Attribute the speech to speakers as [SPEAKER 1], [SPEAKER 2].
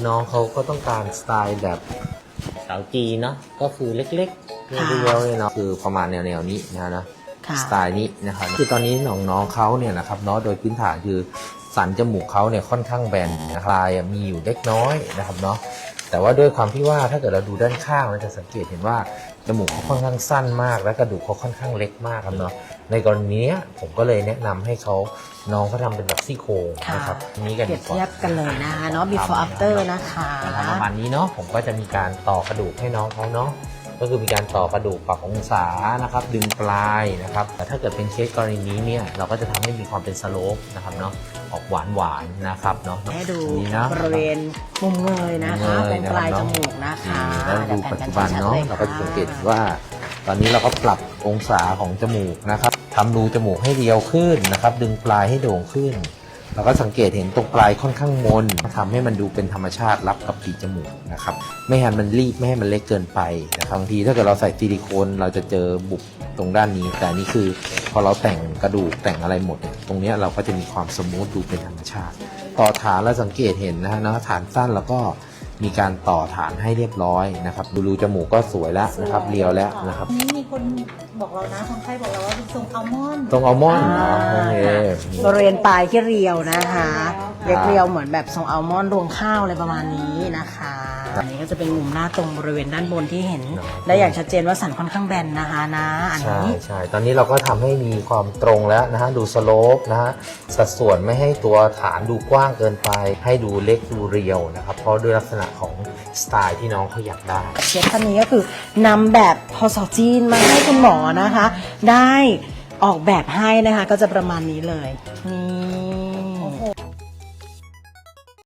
[SPEAKER 1] น้องเขาก็ต้องการสไตล์แบบสาวจีนเนาะก็คือเล็กๆเรียวๆเลยเนาะคือประมาณแนวนี้นะสไตล์นี้นะครับคือตอนนี้น้องเขาเนี่ยนะครับเนาะโดยพื้นฐานคือสันจมูกเขาเนี่ยค่อนข้างแบนนะครับลายมีอยู่เล็กน้อยนะครับเนาะแต่ว่าด้วยความที่ว่าถ้าเกิดเราดูด้านข้างเราจะสังเกตเห็นว่าจมูกเขาค่อนข้างสั้นมากและกระดูกเขาค่อนข้างเล็กมากครับเนาะในกรณีนี้ผมก็เลยแนะนำให้เขาน้องเขาทำเป็นแบบซี่โครงนะครับนี้กัน
[SPEAKER 2] เปรียบเทียบกันเลยนะคะเนาะ before after นะคะ
[SPEAKER 1] ประมาณนี้เนาะผมก็จะมีการต่อกระดูกให้น้องเขาเนาะก็คือมีการต่อกระดูกปรับองศานะครับดึงปลายนะครับแต่ถ้าเกิดเป็นเคสกรณีนี้เนี่ยเราก็จะทำให้มีความเป็นสโลปนะครับเนาะออกหวานนะครับเนาะ
[SPEAKER 2] ให้ดู
[SPEAKER 1] นะ
[SPEAKER 2] บริเวณมุมเงยนะคะตรงปลายจมูกนะคะ
[SPEAKER 1] แล้วดูปัจจุบันเนาะเราก็สังเกตว่าตอนนี้เราก็ปรับองศาของจมูกนะครับทำรูจมูกให้เรียวขึ้นนะครับดึงปลายให้โด่งขึ้นเราก็สังเกตเห็นตรงปลายค่อนข้างมนทำให้มันดูเป็นธรรมชาติรับกับปีกจมูกนะครับไม่ให้มันรีบไม่ให้มันเล็กเกินไปนะครับบางทีถ้าเกิดเราใส่ซิลิโคนเราจะเจอบุบตรงด้านนี้แต่นี่คือพอเราแต่งกระดูกแต่งอะไรหมดตรงนี้เราก็จะมีความสมูทดูเป็นธรรมชาติต่อฐานเราสังเกตเห็นนะฮะฐานสั้นแล้วก็มีการต่อฐานให้เรียบร้อยนะครับรูจมูกก็สวยแล้วนะครับเรียวแล้วนะครับ
[SPEAKER 3] นี้มีคนบอกเรานะคนไข้บอกเราว่าเป็นทรงอัลมอนด์
[SPEAKER 1] ตรงอัลมอนด์เนาะโอเค
[SPEAKER 2] บริเวณปลายที่เรียวนะคะเรียวเหมือนแบบทรงอัลมอนด์รวงข้าวอะไรประมาณนี้นะคะอันนี้ก็จะเป็นมุมหน้าตรงบริเวณด้านบนที่เห็นได้อย่างชัดเจนว่าสันค่อนข้างแบนนะคะนะอันนี้
[SPEAKER 1] ใช่ตอนนี้เราก็ทำให้มีความตรงแล้วนะฮะดูสโลปนะฮะสัดส่วนไม่ให้ตัวฐานดูกว้างเกินไปให้ดูเล็กดูเรียวนะครับเพราะด้วยลักษณะของสไตล์ที่น้องเขาอยากได้
[SPEAKER 2] เชฟท่านนี้ก็คือนำแบบพอสอจีนมาให้คุณหมอนะคะได้ออกแบบให้นะคะก็จะประมาณนี้เลยนี่